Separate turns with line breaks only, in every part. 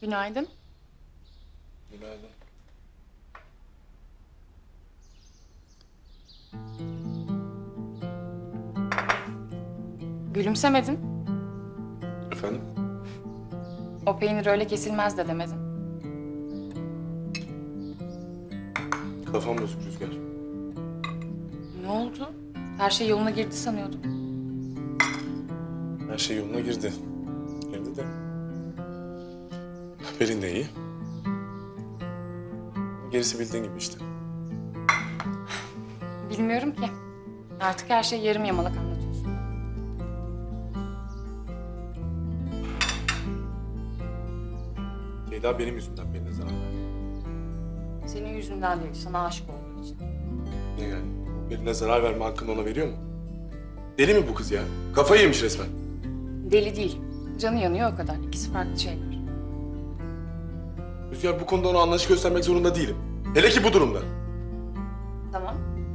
Günaydın.
Günaydın.
Gülümsemedin.
Efendim?
O peynir öyle kesilmez de demedin.
Kafam bozuk Rüzgar.
Ne oldu? Her şey yoluna girdi sanıyordum.
Her şey yoluna girdi. Girdi de. Pelin de iyi. Gerisi bildiğin gibi işte.
Bilmiyorum ki. Artık her şey yarım yamalak anlatıyorsun.
Ceyda benim yüzümden Pelin'e zarar verdi.
Senin yüzünden değil, sana aşık olduğu için.
Ne yani? Pelin'e zarar verme hakkını ona veriyor mu? Deli mi bu kız ya? Kafayı yemiş resmen.
Deli değil. Canı yanıyor o kadar. İkisi farklı şeyler.
Rüzgar bu konuda ona anlayış göstermek zorunda değilim. Hele ki bu durumda.
Tamam.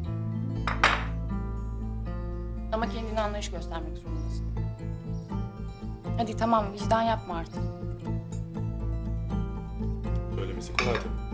Ama kendine anlayış göstermek zorundasın. Hadi tamam, vicdan yapma artık.
Söylemesi kolay tabii.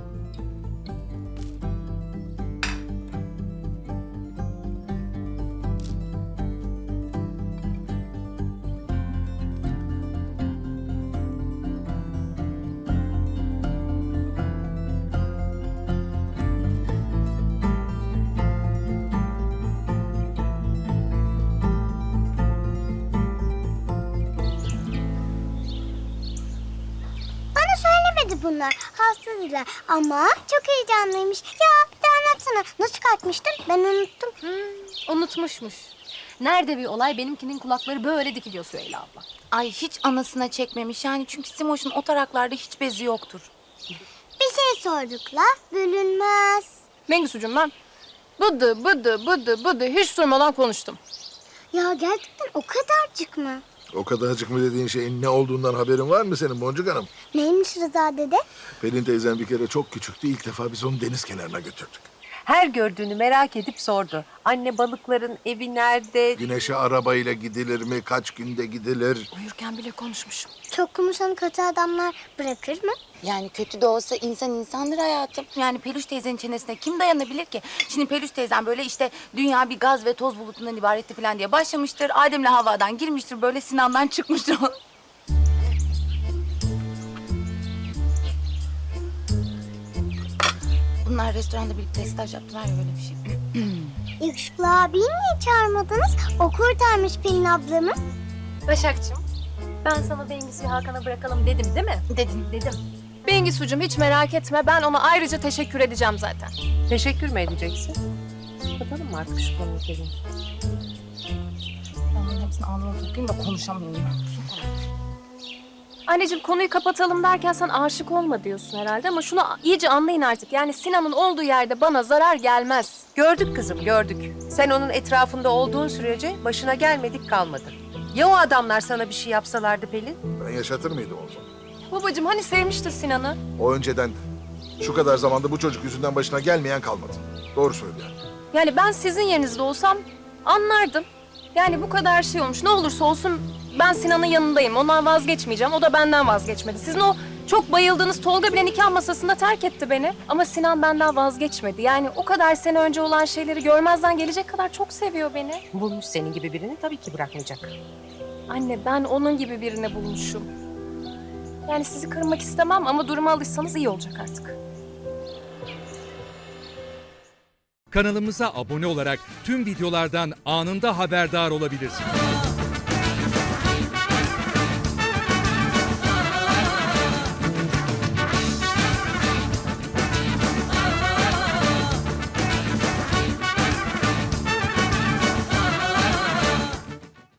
Bana söylemedi bunlar. Hastadılar ama çok heyecanlıymış. Ya bir de anlatsana. Nasıl kalkmıştın? Ben unuttum.
Unutmuşmuş. Nerede bir olay benimkinin kulakları böyle dikiliyor Süheyla abla.
Ay hiç anasına çekmemiş yani çünkü Simoş'un o taraklarda hiç bezi yoktur.
Bir şey sorduk la. Bölünmez.
Mengüsücüğüm ben bıdı hiç durmadan konuştum.
Ya gerçekten o kadarcık mı?
O kadarcık mı dediğin şeyin ne olduğundan haberin var mı senin Boncuk Hanım?
Neymiş Rıza dede?
Pelin teyzem bir kere çok küçüktü. İlk defa biz onu deniz kenarına götürdük.
Her gördüğünü merak edip sordu. Anne balıkların evi nerede?
Güneşe arabayla gidilir mi? Kaç günde gidilir?
Uyurken bile konuşmuşum.
Çok konuşan kötü adamlar bırakır mı?
Yani kötü de olsa insan insandır hayatım. Yani Peluş teyzenin çenesine kim dayanabilir ki? Şimdi Peluş teyzem böyle işte dünya bir gaz ve toz bulutundan ibaretti falan diye başlamıştır. Adem'le Havva'dan girmiştir böyle Sinan'dan çıkmıştır. Bunlar restoranda birlikte staj yaptılar ya öyle bir şey.
Yakışıklı abiyi niye çağırmadınız? O kurtarmış Pelin ablamı.
Başakçığım, ben sana Bengisu'yu Hakan'a bırakalım dedim değil mi?
Dedin.
Dedim. Bengisu'cum hiç merak etme, ben ona ayrıca teşekkür edeceğim zaten.
Teşekkür mü edeceksin? Kapatalım mı artık şu konuyu Pelin?
Ben bunların hepsini ağzıma sokayım da konuşamıyorum.
Anneciğim konuyu kapatalım derken sen aşık olma diyorsun herhalde ama şunu iyice anlayın artık. Yani Sinan'ın olduğu yerde bana zarar gelmez.
Gördük kızım, gördük. Sen onun etrafında olduğun sürece başına gelmedik kalmadı. Ya o adamlar sana bir şey yapsalardı Pelin?
Ben yaşatır mıydım o zaman?
Babacığım hani sevmişti Sinan'ı?
O önceden şu kadar zamanda bu çocuk yüzünden başına gelmeyen kalmadı. Doğru söylüyor.
Yani ben sizin yerinizde olsam anlardım. Yani bu kadar şey olmuş. Ne olursa olsun ben Sinan'ın yanındayım. Ondan vazgeçmeyeceğim. O da benden vazgeçmedi. Sizin o çok bayıldığınız Tolga bile nikah masasında terk etti beni. Ama Sinan benden vazgeçmedi. Yani o kadar sene önce olan şeyleri görmezden gelecek kadar çok seviyor beni.
Bulmuş senin gibi birini tabii ki bırakmayacak.
Anne ben onun gibi birini bulmuşum. Yani sizi kırmak istemem ama duruma alışsanız iyi olacak artık.
Kanalımıza abone olarak tüm videolardan anında haberdar olabilirsiniz.